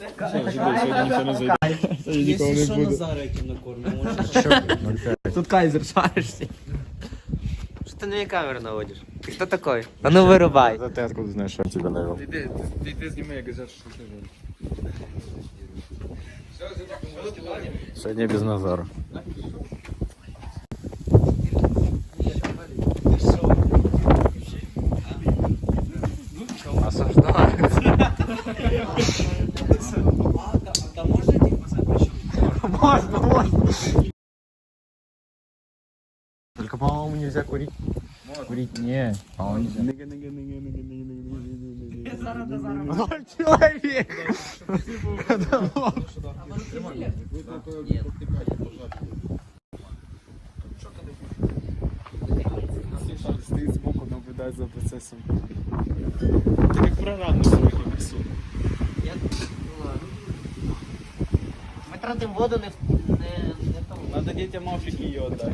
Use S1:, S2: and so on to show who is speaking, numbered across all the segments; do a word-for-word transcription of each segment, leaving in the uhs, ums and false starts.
S1: Если что, Назара этим накормим.
S2: Тут кайзер шаришься. Что ты на меня камеру наводишь? Ты кто такой? А ну вырубай.
S3: А ты откуда знаешь, что я тебя навел?
S4: Ты, ты, ты снимай, я газету, что ты живешь.
S3: Сегодня без Назара. Осуждаю.
S1: Да можно этих посадить?
S3: Можно, можно. Только, по-моему, нельзя курить. Курить не. По-моему, нельзя. Человек!
S4: Стоит сбоку, наблюдает за процессом. Это как программный срок несу.
S2: Ми тратимо воду не в не, не тому.
S4: Надо детям Африки ее отдать.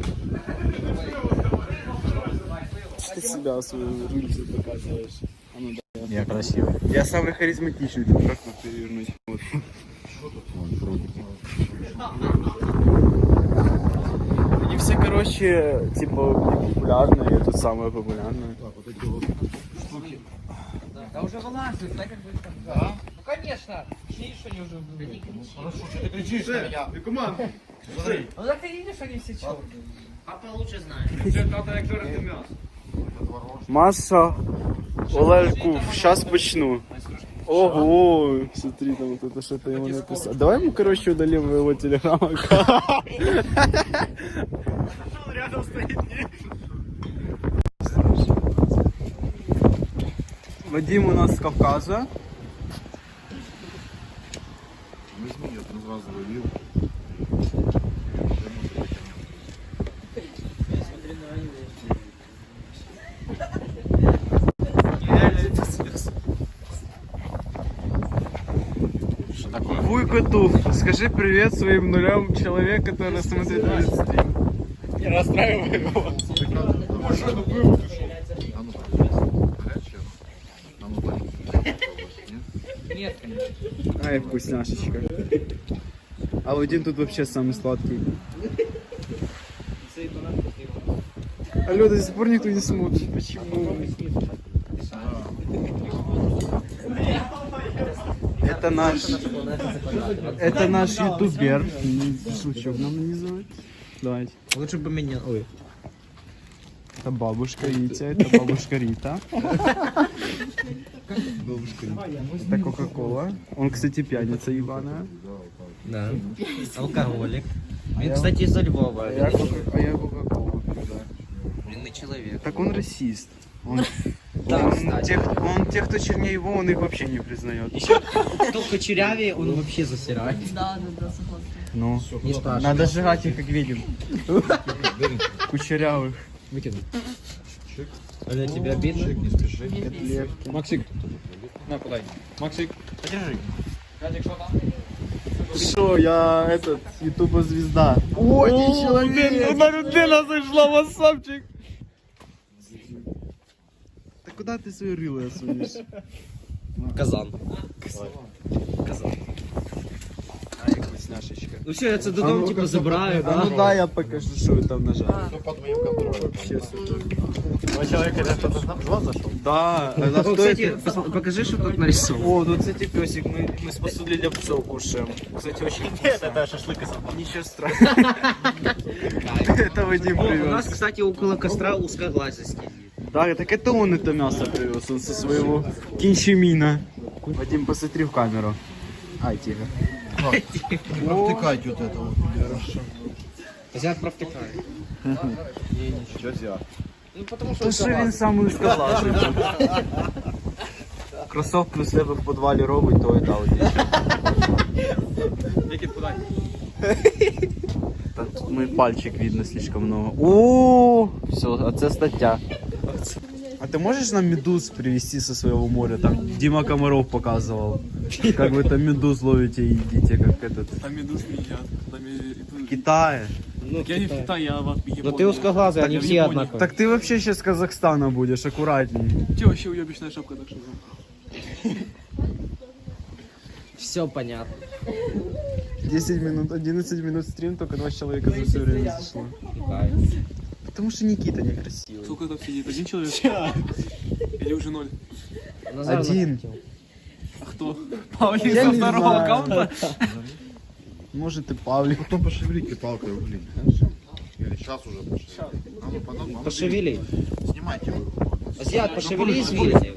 S4: Ты себя свою рыльцу показываешь. А ну да.
S3: Я красивый.
S4: Я самый харизматичный, тут как тут перевернуть? Вот. Они все, короче, типа популярные, я тут самая популярная. Так, вот эти вот штуки.
S1: Да уже вылазит, так как бы там. Да? Ну конечно. Видишь, они уже были.
S4: Хорошо, что ты кричишь на меня? Ты команда.
S1: Ну так ты видишь, они все черные.
S2: Папа лучше знає.
S4: Маша, Олельку, сейчас почну. Ого, смотри, там вот это что-то ему написал. Давай мы, короче, удалим его телеграм-аккаунт. Рядом стоит. Вадим у нас с Кавказа.
S3: Возьми, я там сразу вывел.
S4: Вуйкоту, скажи привет своим нулям человек, который смотрит этот стрим. Не расстраивай его.
S3: Машину был, ты шо? А ну, горячая. А ну, дай.
S1: Нет, конечно.
S4: Ай, вкусняшечка. А Вадим тут вообще самый сладкий. Алло, до сих пор никто не смотрит. Почему? Это наш, это наш ютубер. Шучу, нам называть. Давайте.
S2: Лучше бы меня. Ой.
S4: Это бабушка Витя, это бабушка Рита.
S3: Бабушка.
S4: Это Кока-Кола. Он, кстати, пьяница ебаная.
S2: Да. Алкоголик. Він, кстати, из Львова.
S4: А я Кока- а я Кока-Колу пью, да.
S2: Блин, человек.
S4: Так он расист. Он,
S2: Да,
S4: он,
S2: кстати.
S4: тех, он тех, кто чернее его, он их вообще не признает.
S2: Еще кто кучерявее, он вообще засирает.
S5: Да, да, да, согласна.
S4: Ну,
S2: Не спрашивай.
S4: надо сжигать их, как видим. Кучерявых.
S2: Выкину. А для тебя обидно?
S3: Не спеши.
S4: Котлетки. Максик, на, подай. Максик,
S2: Подержи.
S4: Шо, я этот, ютуба звезда. О, не человек! Одна людина зайшла, вассапчик! Да куда ты свою рыло сунешь?
S2: Казан.
S4: Казан. Ай, вкусняшечка.
S2: Ну все, я це додому типу забираю,
S4: А ну
S2: да?
S4: да, я покажу, что вы там нажали.
S3: Все под моим контролем.
S4: Вообще супер.
S3: Два человека, это кто-то там два зашел?
S4: Да, это
S2: О,
S4: кто
S2: кстати,
S4: это?
S2: пос- покажи, что тут нарисовано.
S4: О, ну кстати, песик, мы, мы с посуды для псов кушаем. Кстати, очень
S3: Нет, это шашлык из собак.
S4: ничего страшного. Это Вадим
S2: О, у нас,
S4: привез.
S2: кстати, около костра узкоглазый.
S4: Да, так это он это мясо привез, он со своего кинчемина. Вадим, посмотри в камеру. Ай, тихо.
S3: Не провтыкайте вот это вот. Хорошо.
S2: Взять провтыкаю.
S3: Что взял?
S2: Ну потому что
S4: То що він самий узкоглазий тут. Кросовки у себе в підвалі робить, то і дав.
S2: Викид подай.
S4: Тут мой пальчик видно слишком много. О, все, а це стаття. А ты можешь нам медуз привезти со своего моря? Там Дима Комаров показывал. Как вы там медуз ловите и едите, как этот.
S6: Там медуз не едят. Там и- и-
S4: В Китае.
S2: Ну,
S6: Я не в Китае, я в
S2: Но
S6: Японии.
S2: ты узкоглазый, они
S6: в
S2: все
S6: Японии.
S2: одинаковые.
S4: Так ты вообще сейчас с Казахстана будешь, аккуратней.
S6: Те вообще уебищная шапка, так что.
S2: Все,
S1: Все понятно.
S4: десять минут, одиннадцать минут стрим, только два человека за все время зашло. Потому что Никита некрасивый.
S6: Сколько там сидит? Один человек? Или уже ноль?
S4: Один.
S6: А кто?
S4: Я
S6: Павлик
S4: не
S6: со второго
S4: знаю.
S6: аккаунта?
S4: Может и Павлик.
S3: Потом пошевелите палкой угли. Или сейчас уже пошевелите. А ну, потом, а ну,
S1: Пошевели.
S3: Снимайте его.
S1: Азиат, пошевели извилины.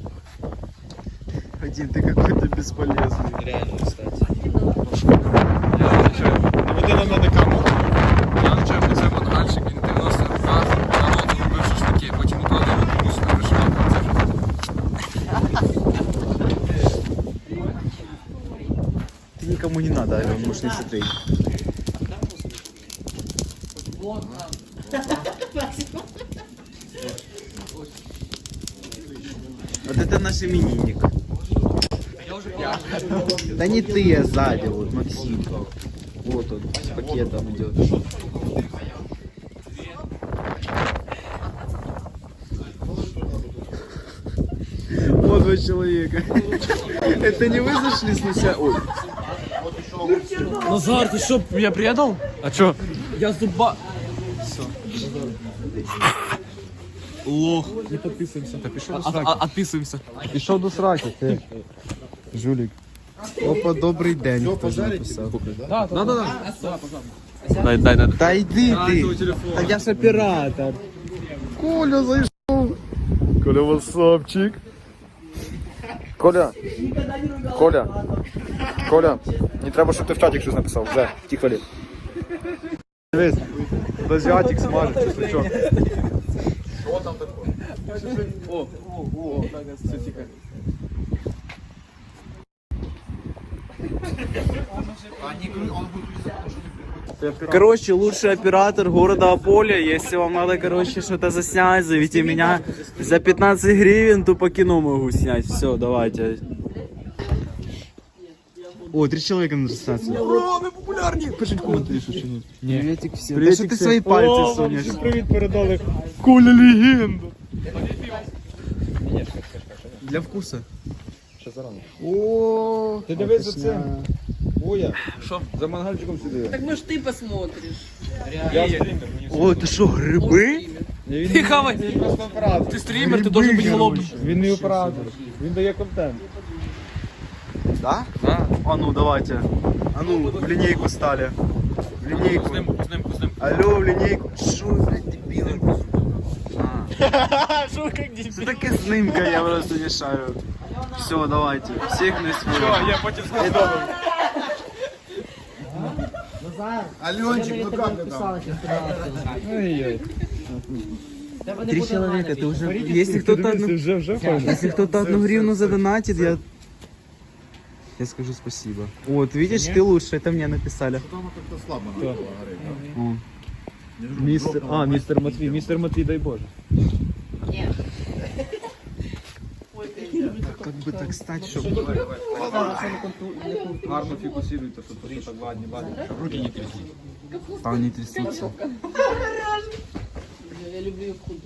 S4: Один, ты какой-то бесполезный.
S1: Реально, кстати.
S3: Я отвечаю. Наведи на мене камеру. Я отвечаю, що це мангальщик, він дев'яносто роках, народ робив шашлики, потім укладав комусь на решетку.
S4: Ты никому не надо, Ален, можешь не смотреть. Вот это наш именинник. Да не ты, а сзади, вот Максим. Вот он, с пакетом идет. Вот два человека. Это не вы зашли сначала? Ой.
S6: Назар, ты что, меня предал? А чё? Я зуба... Все. Лох. Не подписываемся. Да пішов до сраки. Отписываемся.
S4: Пішов до сраки, ти. Жулік. Опа, добрий день. Хто ж написав?
S6: Да, да, да. Дай, дай, дай.
S4: Та йди ти.
S6: телефон.
S4: Та я ж оператор. Коля зайшов. Коля, васапчик.
S5: Коля, Коля, Коля, не треба, щоб ти в чаті щось написав. Вже, ті хвилі.
S4: Дивись, тут азіатик смажить, чи що?
S6: О, о, о, так, все, тихо.
S4: Короче, лучший оператор города Аполя. Если вам надо, короче, что-то заснять, зовите меня. За пятнадцать гривен тупо кино могу снять. Все, давайте. О, три человека на трансляции.
S6: Ура, мы популярні! Пишіть коментарі, що чи ні.
S4: Приветик всем. Да что ты свои пальцы сунешь?
S6: Привіт передали.
S4: Коля легенда. Для вкуса. О,
S5: Ти дивись за цим. Оя, за мангальчиком сюди.
S7: Так может ты посмотришь.
S4: О, это что, грибы?
S6: Ти хавай! Ти стрімер, ти должен бути голодним.
S5: Він не оператор, він дає контент.
S4: Да? Да. А ну, давайте. А ну, в линейку стали. В линейку.
S6: З ним, з ним, з ним.
S4: Алло, в линейку. Шо, блядь, дебилы? А.
S6: Що, як дебіл?
S4: Что такое снимка, я просто не шарю. Все, давайте. Всех на свой.
S6: Я потім скажу.
S3: Аленчик, ну как ты там?
S4: Три человека, ты уже... Если кто-то одну... Если кто-то одну гривну задонатит, я... Я скажу спасибо. Вот, видишь, ты лучше, это мне написали.
S3: Там как-то слабо надо было гореть.
S4: О.
S5: Містер, а, містер Матвій, містер Матвій, дай Боже.
S4: Как бы так стать, чтобы...
S5: Гарно фікусируйте, щоб тут так ладні, ладні, щоб руки не трясли.
S4: Там не трясутся.
S7: Я люблю ее худу.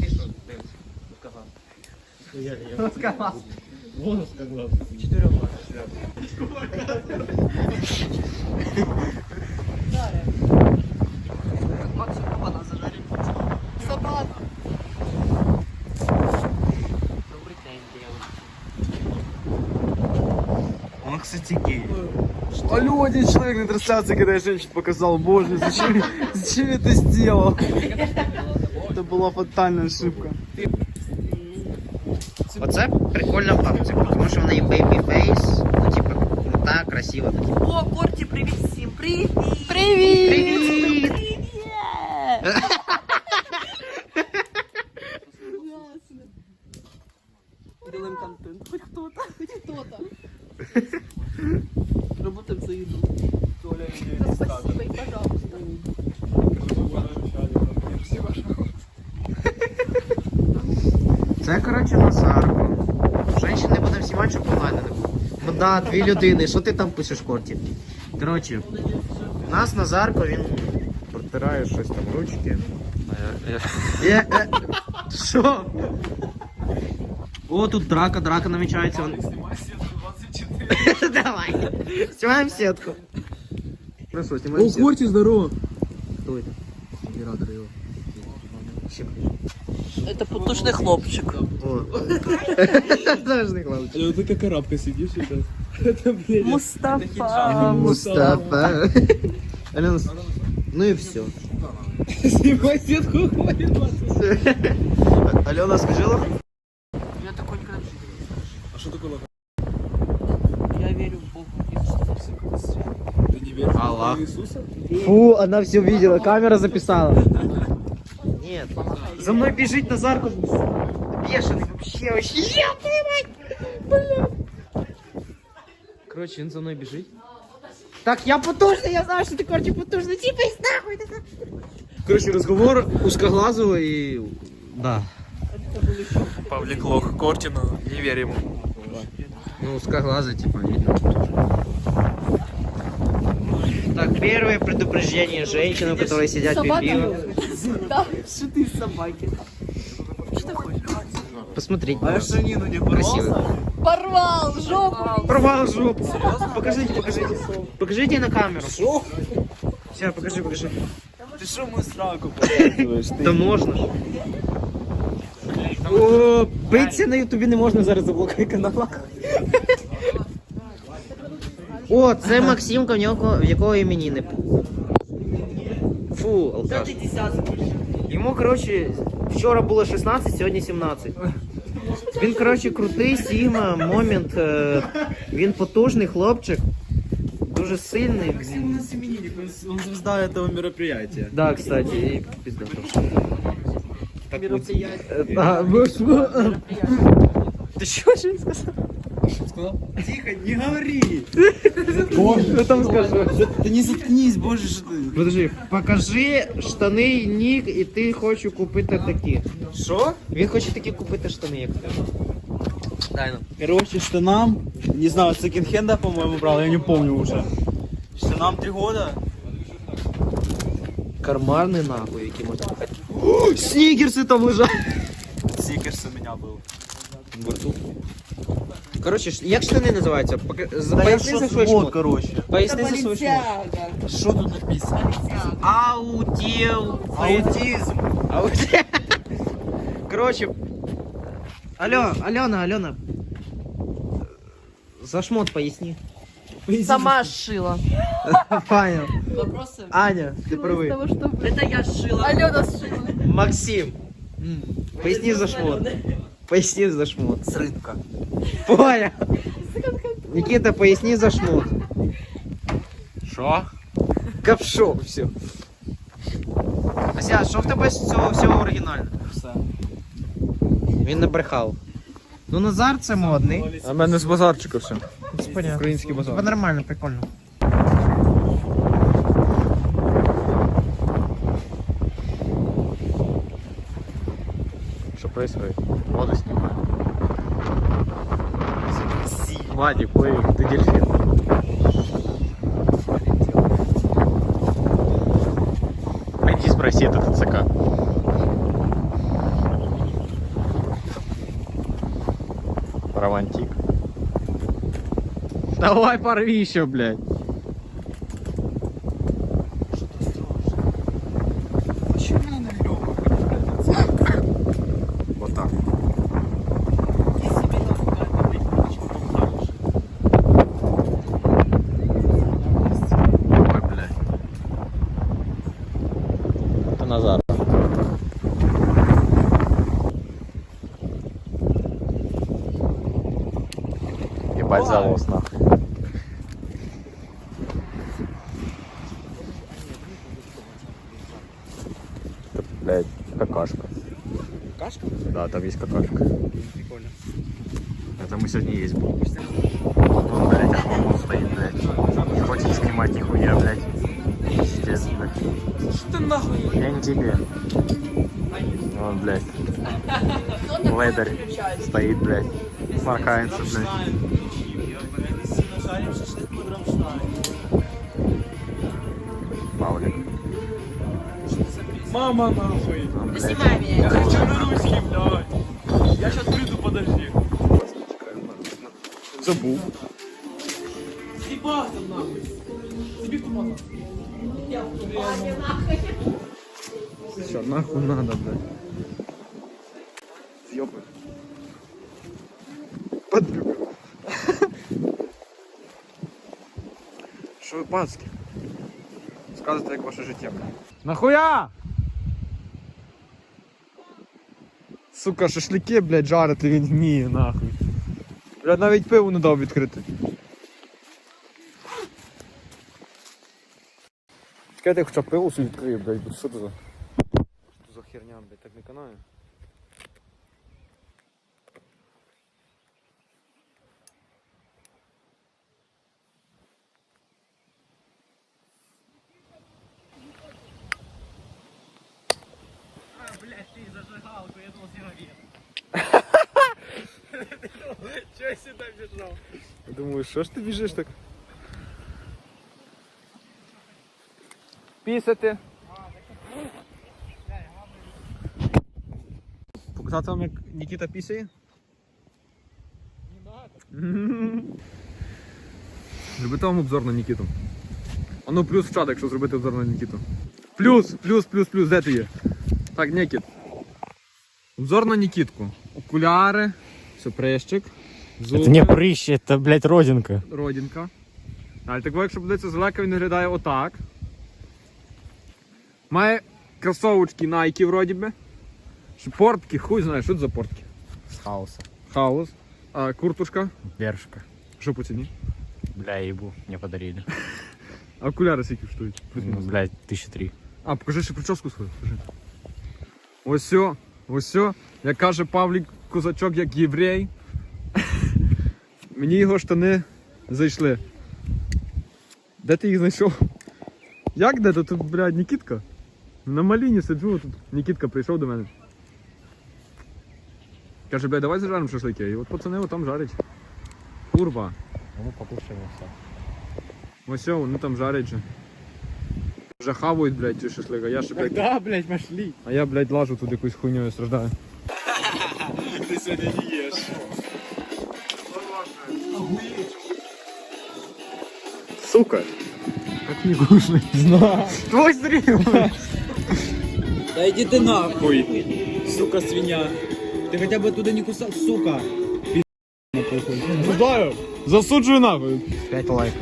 S4: Он, кстати, гей. Алло, один человек на трансляции, когда я женщину показал. Боже, зачем, зачем я это сделал? Это была фатальная ошибка.
S2: Оце прикольна бабця, тому що в неї бейбі фейс, ну типа крута, красива.
S7: О, Корти, привет всем! Привет! Привет! Привет! Делаем контент. Хоть кто-то. Хоть кто-то. Работаем за еду. Спасибо и пожалуйста.
S2: Це, коротше, Назарко. Женщин не будемо знімати, щоб онлайн не було. Ну да, дві людини, що ти там пишеш, Корті? Коротше, у нас Назарко, він протирає щось там ручки. Е, е, Що? О, тут драка, драка намічається.
S6: Знімай світ двадцять чотири.
S2: Давай. Снимаем сетку. Хорошо, снимаем
S6: О,
S2: сетку.
S6: Корти, здорово.
S2: Кто это?
S6: Оператор его.
S7: Это потушный хлопчик.
S2: О. Должны хлопчик.
S6: Э, Ты как арабка сидишь сейчас. Это, блядь.
S7: Мустафа.
S2: Мустафа. Алена, ну и все.
S6: Снимай сетку, хватит.
S2: Алена, скажи лох?
S7: Я такой никогда не
S6: А что такое лоха?
S7: Я верю в Бога.
S6: Ты не веришь в
S2: Аллах.
S6: Бога Иисуса?
S2: Фу, она все видела, камера записала. Нет, за мной бежит Назарку. Бешеный вообще, вообще. Я твою мать, бля. Короче, он за мной бежит. Так, я потужный, я знаю, что ты, короче, потужный. Типа, нахуй, ты нахуй. Короче, разговор узкоглазого и... Да.
S6: Павлик лох Кортину, не верь ему.
S2: Ну, узкоглазый, типа, видно. Так, первое предупреждение женщинам, которые сидят пить пиво.
S7: Да, что ты собаки.
S2: Посмотрите.
S6: А штанину не порвался?
S7: Порвал жопу.
S2: Порвал жопу. Покажите, покажите. Покажите на камеру. Что? Сейчас, покажи, покажи.
S6: Ты что мою сраку показываешь?
S2: Да можно. О, биться на ютубі не можна зараз заблокує канал. О, це Максимка, в нього, в якого іменини. Фу, алкаш. Йому, коротше, вчора було шістнадцять, сьогодні сімнадцять. Він, коротше, крутий, Сігма, момент. е, Він потужний хлопчик. Дуже сильний.
S4: У нас именинник, он, он звезда этого мероприятия.
S2: Да, кстати, і пізда теж.
S7: Мероприятие.
S2: А, ви що? Ти що ж він сказав?
S4: Тихо, не говори!
S2: Що там скажу?
S4: Да не заткнись, боже, что ты.
S2: Подожди, покажи штани, нік, і ти хочу купити такі.
S4: Что?
S2: Він хоче такі купити штани, як ти. Дай нам.
S4: Короче, штанам, не знаю, секонд-хенда, по-моему, брал, я не помню уже. Штанам три года.
S2: Кармарний нахуй, які можна купити. О, снігерси там лежать.
S4: Сикерс у меня был.
S2: Короче, ш- як штани називаються? Пока- з-
S4: Да я
S2: Поясни за
S4: что
S2: свой
S4: вот,
S2: шмот.
S4: короче.
S2: Поясни за свой шмот.
S4: Что тут написано?
S2: Аутел.
S4: Аутизм.
S2: Аутел. Короче. Алло, Алена, Алена. За шмот поясни.
S7: Сама сшила.
S2: Понял.
S7: Вопросы?
S2: Аня, ты правый.
S7: Того, что... Это я сшила. Алена сшила.
S2: Максим. Поясни за шмот. Поясни за шмот.
S4: С рынка.
S2: Понял. Никита, поясни за шмот.
S3: Що?
S2: Ковшо, все. Ася, що в тебе з цього всього оригінально?
S4: Все.
S2: Він не брехав. Ну, Назар це модний.
S3: А в мене з базарчика все.
S2: Це понятно.
S3: Український базар.
S2: Це нормально, прикольно.
S3: Что происходит? Воду снимаю. Вадик, ой, ты дельфин. Пойди спроси этот ЦК. Романтик. Давай порви еще, блядь. Вот так. Ой, блядь. Это Назар. Ебать завоз, нахуй. Это, блядь, какашка.
S4: Какашка?
S3: Да, там есть какашка.
S4: Прикольно.
S3: Это мы сегодня есть будем. Вон, блядь, охламон стоит, блядь. Не хочет снимать нихуя, блядь. Пиздец, блядь.
S6: Что ты нахуй?
S3: Я не тебе. Вон, блядь. Лейдер стоит, блядь. Сморкается, блядь. Павлик.
S6: Мама нахуй.
S3: Вон, блядь.
S7: Снимай меня.
S6: Я хочу на русский, блядь. Я сейчас приду, подожди.
S3: Забув.
S6: Купався нахуй. Тобі купався.
S3: Що, нахуй надо, блядь. З'єбай. Подрюк. Що ви пацки? Сказуйте, як ваше життя, блядь. Нахуя? Сука, шашлики, блядь, жарити він вміє, нахуй. Блядь, навіть пиво не дав відкрити. Чекайте, я хоча б пиво собі відкрию, блядь, бо що це за... Що це за херня, блядь, так не канає.
S6: Чого я сюди біжав?
S3: Я думаю, що ж ти біжиш так? Пісати. Показати вам, як Нікіта пісяє? Зробити вам обзор на Нікіту. А ну плюс в чат, якщо зробити обзор на Нікіту. Плюс, плюс, плюс, плюс, де ти є? Так, Нікіт. Обзор на Нікітку. Окуляри, сюпрещик, зуби.
S2: Це не прыщ, це, блядь, родинка.
S3: Родинка. Але так, якщо подивитися злека, він виглядає отак. Має кросовочки Nike вроді би. Портки, хуй знає, що це за портки.
S2: З хаоса.
S3: Хаус. А куртушка.
S2: Бершка.
S3: Що по ціні?
S2: Бля, ебу, мне подарили.
S3: А окуляри скільки штують?
S2: Ну, блядь, тисяча три.
S3: А, покажи ще прическу свою. Покажи. Ось сьо, ось сьо. Як каже Павлік Козачок, як єврей. Мені його штани зайшли. Де ти їх знайшов? Як де? Тут, блядь, Нікітка. На маліні сиджу, тут Нікітка прийшов до мене. Каже, блядь, давай зажаримо шашлики. І от пацани там жарять. Курва.
S2: Ну, покушаем все.
S3: Ось сьо, вони там жарять же. Вже хавають, блядь, ці шашлики, а я ще, блядь,
S6: Да, блядь, пошли.
S3: а я, блядь, лажу тут якусь хуйньою страждаю.
S6: Ти сьогодні не їш.
S3: Сука! Как не кушать? Знаю. Твой стрим!
S6: Да иди ты нахуй, сука свинья. Ты хотя бы оттуда не кусал, сука.
S3: Знаю! Засуджую нахуй!
S2: пять лайков.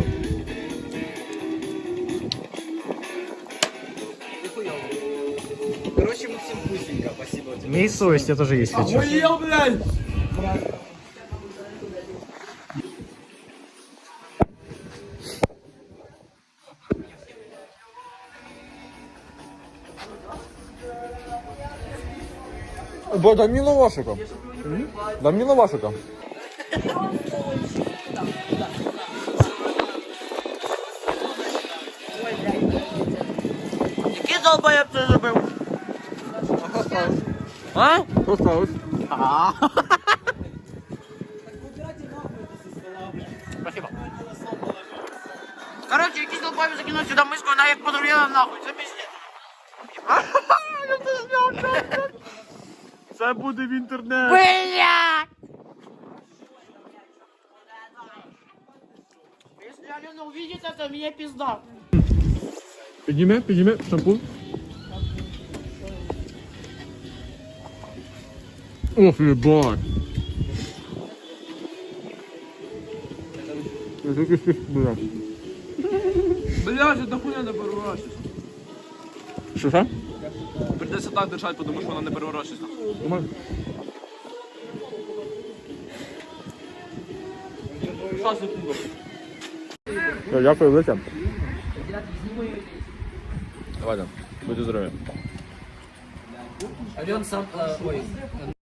S6: Короче, Максим вкусненько, спасибо тебе.
S2: Имей совесть, это тоже есть хочу.
S6: Охуел, блядь!
S3: Бо дай мені лавашика. Дай мені лавашика.
S7: Який долбоєб це зробив?
S3: А? Що сталося?
S7: Короче, якийсь долбоєб закинув сюди миску, вона як подуріла нахуй, це пиздец.
S3: Це буде в інтернет.
S7: Блядь! Если Алена увидит это, мне пизда.
S3: Підніми, підніми, шампунь. Ох, ебать. Я тільки що, блядь.
S6: Блядь, это хуйня не переворачивайся.
S3: Що, що?
S6: Придется так держать, потому что она не переворачивается.
S3: Нормально.
S6: Сейчас секунду.
S3: Дякую, велике. Давай, будьте здорові.
S1: Ален сам... Ой,